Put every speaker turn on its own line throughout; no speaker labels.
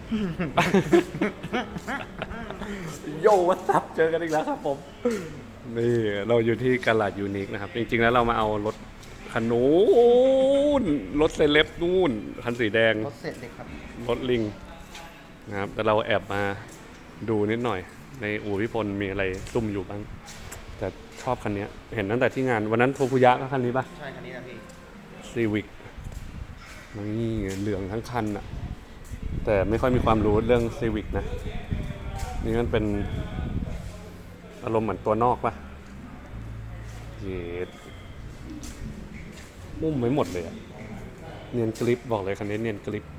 โยวัสับเจอกันอีกแล้วครับผมนี่เราอยู่ที่กาลาดยูนิคนะครับจริงๆแล้วเรามาเอารถคันนู้นรถเซเลบนู่นคันสีแดง
รถเสร็จเลยครับ
รถลิงนะครับแต่เราแอบมาดูนิดหน่อย ในอู่พิพลมีอะไรซุ่มอยู่บ้างแต่ชอบคันนี้เห็นตั้งแต่ที่งานวันนั้นโทคุยะก็คันนี้ป่ะ
ใช่คันนี้นะพี่
ซีวิกนี่เหลืองทั้งคันอะแต่ไม่ค่อยมีความรู้เรื่องซีวิกนะนี่มันเป็นอารมณ์เหมือนตัวนอกป่ะเย็ดมุ่มไว้หมดเลยอะเนียนกริปบอกเลยคันนี้เนียนกริป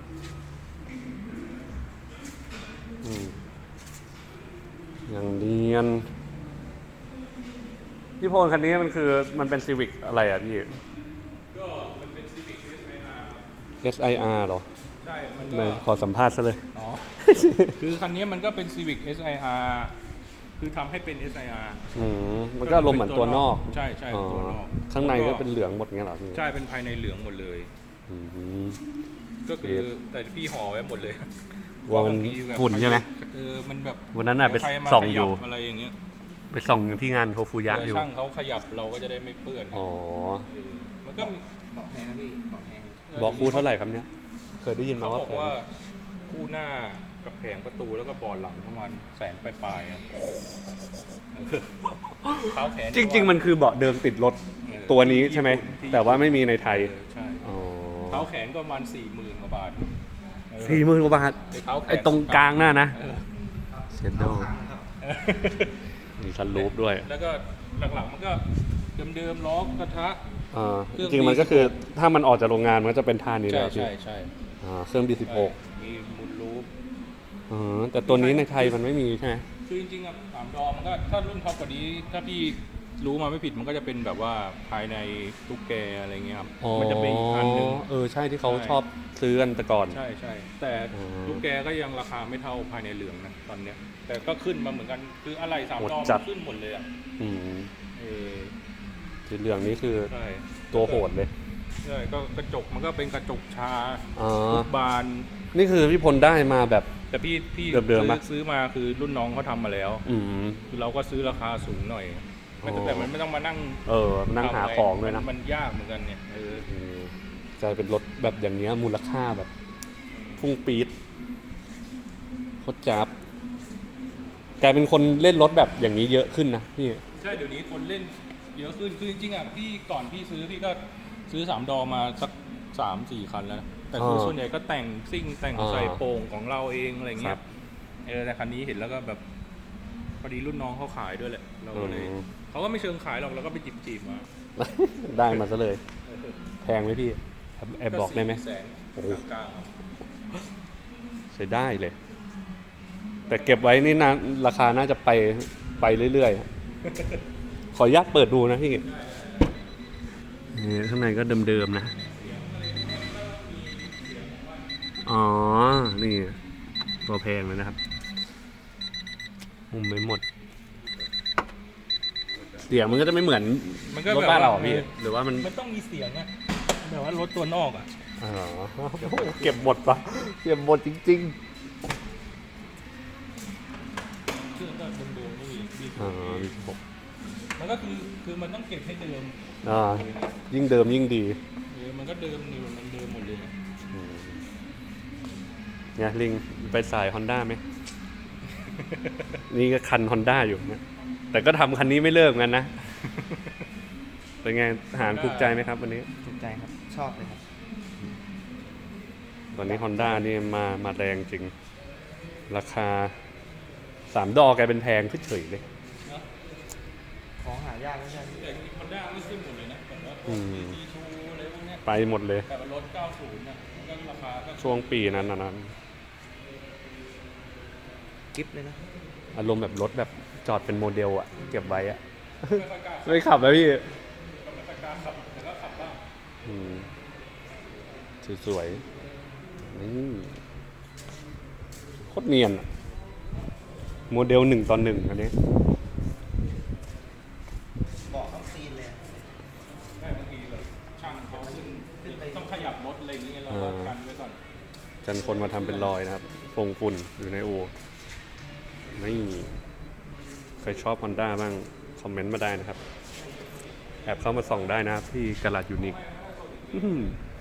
อย่างเนียนพี่พลคันนี้มันคือมันเป็นซีวิกอะไรอ่ะพี่
ก็มันเป็น Civic
SIR เหรอ
ใช่ มัน
ไหน
ก็
ขอสัมภาษณ์ซะเลย
อ๋อ คือคันนี้มันก็เป็น Civic SIR คือทำให้เป็น SIR
มันก็อารมณ์เหมือนตัวนอก
ใช่ใช่ตัวนอก
ข้างในก็เป็นเหลืองหมดเงี้ยเหรอพี่
ใช่เป็นภายในเหลืองหมดเลย
อืม
ก็คือแต่พี่ห่อไว้หมดเลย
ว่ามัน
บางทีแบบ
ฝุ่นใช่ไหม
มันแบบ
วันนั้นน่ะไป
ใครมา
ส่อง
ข
อยู่
อะไรอย่างเงี้ย
ไปส่องที่งานโทฟูยะอยู่
ช่างเขาขยับเราก็จะได้ไม่เปื้อน
อ๋อ
มันก็มี
บอกแพงนะพี่บอกแพง
บอกคู่เท่าไหร่ครับเนี่ยเคยได้ยินมา
เขา
ว่า
บอกว่าคู่หน้ากับแผงประตูแล้วก็บอร์ดหลังประมาณแสนปลายๆอะเท้าแขน
จริง ๆ มันคือเบาะเดิมติดรถตัวนี้ใช่ไหมแต่ว่าไม่มีในไทย
ใช่
อ๋อ
เท้าแขนก็ประมาณ40,000 กว่าบาท
40,000 กว่าบาท
เท้าแขน
ไอ้ตรงกลางน่ะนะ
เออ
เชดโดมีซันรูฟด้วย
แล้วก็หลังๆมันก็เดิมๆล้อกระทะ
จริงๆมันก็คือถ้ามันออกจากโรงงานมันก็จะเป็นท่านี้
ใช่
แล้วพี่
ใช่
เครื่อง B16
มีมุนรูป
แต่ตัวนี้ในไทยมันไม่มีใช่ไหม
คือจริงๆอ่ะ3 ดอมันก็ถ้ารุ่นท็อปกว่านี้ถ้าพี่รู้มาไม่ผิดมันก็จะเป็นแบบว่าภายในตุ๊กแกอะไรเงี้ยครับมันจะเป็นอีกอันหนึ่ง
ใช่ที่เขา
ใช่
ชอบซื้อกันแต่ก่อน
ใช่ใช่แต่
อืม
ตุ๊กแกก็ยังราคาไม่เท่าภายในเหลืองนะตอนเนี้ยแต่ก็ขึ้นมาเหมือนกันคืออะไร3
โหด
ดอ
จั
มั
ด
นขึ้นหมดเลยอ่ะ
อืม
เออ
สีเหลืองนี้คือ
ใช่
ตัวโหดเลย
ใช่ก็กระจกมันก็เป็นกระจกชา
อ๋อ
ทุกบาน
นี่คือพี่พลได้มาแบบ
แต่พี่
เดิมๆปะ
ซื้อมาคือรุ่นน้องเขาทำมาแล้ว
อืม
คือเราก็ซื้อราคาสูงหน่อยไม่ต้อง
อ๋อ
แต่มันไม่ต้องมานั่ง
นั่งหาของด้วยนะ
มันยากเหมือนกันเนี่ย
กลายเป็นรถแบบอย่างเนี้ยมูลค่าแบบพุ่งปี๊ดโคตรจับกลายเป็นคนเล่นรถแบบอย่างนี้เยอะขึ้นนะพี่
ใช่เดี๋ยวนี้คนเล่นเยอะขึ้นคือจริงๆอ่ะพี่ก่อนพี่ซื้อพี่ก็ซื้อ3 ดอมาสัก3-4 คันแล้วนะแต่คือส่วนใหญ่ก็แต่งซิ่งแต่งใส่โป่งของเราเองอะไรเงี้ยแต่คันนี้เห็นแล้วก็แบบพอดีรุ่นน้องเขาขายด้วยแหละเราก็เลยเขาก็ไม่เชิงขายหรอกเราก็ไปจีบมา
ได้มาซะเลย แพงไหมพี่แอบบอกได้ไหม
แสน
โอ้โห
กลาง
ใช้ได้เลย แต่เก็บไว้นี่นะราคาน่าจะไปเรื่อยๆ ขออนุญาตเปิดดูนะพี่นี่ข้างในก็เดิมๆนะ อ๋อ นี่ ตัวแพงเลยนะครับมุมไม่หมด เสียงมันก็จะไม่เหมือน
มันก็
รถ
แบบ
บ้านเรา
ว่า
พี่ หรือว่ามัน
มันต้องมีเสียงอะแบบว่ารถตัวนอกอะ
อ๋อเก็บหมดปะเก็บหมดจริง
เครื่องก็เดิมๆนี่มี
ๆมีหก
มันก็คือมันต้องเก็บให้เดิม
ยิ่งเดิมยิ่งดี
มันก็เดิมนี่มันเดิมหมดเลย
เนี่ยลิงไปสาย Honda ไหม นี่ก็คัน Honda อยู่เนี่ยแต่ก็ทำคันนี้ไม่เลิกกันนะ เป็นไงอาหารถูกใจไหมครับวันนี้
ถูกใจครับ ชอบเลยครับ
ตอนนี้ Honda นี่มาแรงจริง ราคา3 ดอกแกเป็นแพงขึ้นเฉยเลย
ของหายากไม่ใช่พี่
แต่มันได้ไม่ขึ้นหมดเลยนะแบบว่าดีชูอะไรพวกเนี้ย
ไปหมดเลย
แต่ว่ารถ90นะมันก็ราคาก็
ช่วงปีนั้นนะ
กิฟต์เลยนะ
อารมณ์แบบรถแบบจอดเป็นโมเดลอะเก็บไว้อะ
ไม่ค่อยกล้า
ไม่ขับแล้วพี่
ไม่ค่อยกล้าขับแต่ก็ขับบ้าง
สวยๆนี่โคตรเนียนอะโมเดล1:1อันนี้
บอกเข้าซีนเลย
ได้บางทีแบบช่างเขาขึ้นต้องขยับรถอะไรอย่างเงี้ยเราก็กันไว้ก่อน
กันคนมาทำเป็นรอยนะครับฟงฝุ่นอยู่ในอู่นี่ใครชอบ Honda บ้างคอมเมนต์มาได้นะครับ แอบเข้ามาส่องได้นะครับที่กะลัดยูนิค